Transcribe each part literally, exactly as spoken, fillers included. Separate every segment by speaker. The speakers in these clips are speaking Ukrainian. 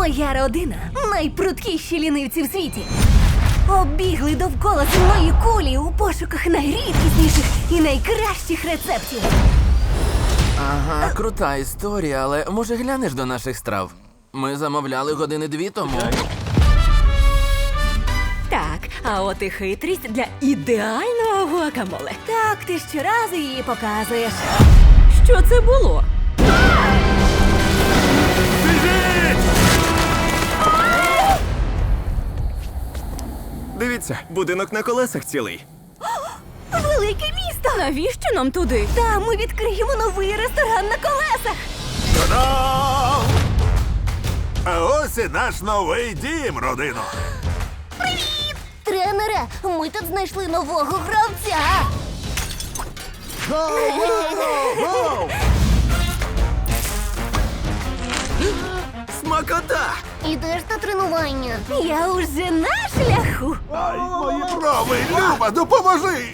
Speaker 1: Моя родина найпруткіші лінивці в світі. Оббігли довкола земної кулі у пошуках найрідкісніших і найкращих рецептів.
Speaker 2: Ага, крута історія, але може глянеш до наших страв? Ми замовляли години дві тому.
Speaker 3: Так, а от і хитрість для ідеального гуакамоле.
Speaker 1: Так, ти щоразу її показуєш.
Speaker 3: Що це було?
Speaker 4: Дивіться, будинок на колесах цілий.
Speaker 1: Велике місто!
Speaker 3: Навіщо нам туди?
Speaker 1: Там ми відкриємо новий ресторан на колесах.
Speaker 5: Та-дам! А ось і наш новий дім, родино.
Speaker 1: Тренере, ми тут знайшли нового гравця.
Speaker 4: Смакота!
Speaker 1: Ідеш на тренування. Я уже на шляху.
Speaker 5: Ай, мої брови, Люба, допоможи!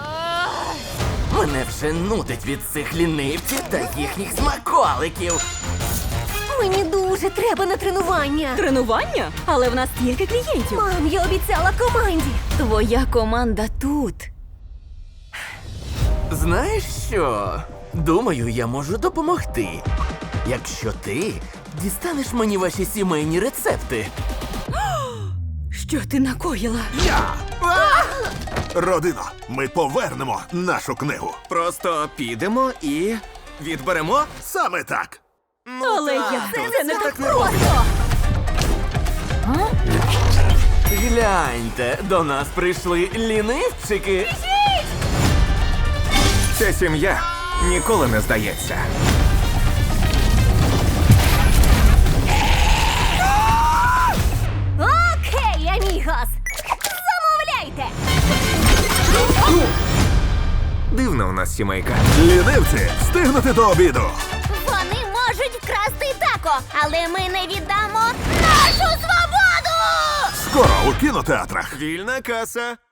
Speaker 2: Мене вже нудить від цих лінивців та їхніх смаколиків.
Speaker 1: Мені дуже треба на тренування.
Speaker 3: Тренування? Але в нас стільки клієнтів.
Speaker 1: Мам, я обіцяла команді.
Speaker 3: Твоя команда тут.
Speaker 2: Знаєш що? Думаю, я можу допомогти. Якщо ти дістанеш мені ваші сімейні рецепти.
Speaker 3: Що ти накоїла?
Speaker 5: Я! Родино, ми повернемо нашу книгу.
Speaker 4: Просто підемо і відберемо.
Speaker 5: Саме так.
Speaker 3: Але я це не так
Speaker 1: Просто!
Speaker 2: Гляньте, до нас прийшли лінивчики.
Speaker 4: Ця сім'я ніколи не здається.
Speaker 1: Окей, амігос. Замовляйте.
Speaker 4: Дивна у нас сімейка.
Speaker 5: Лінивці, встигнути до обіду.
Speaker 1: Вони можуть вкрасти тако, але ми не віддамо нашу свободу!
Speaker 5: Скоро у кінотеатрах.
Speaker 4: Вільна каса.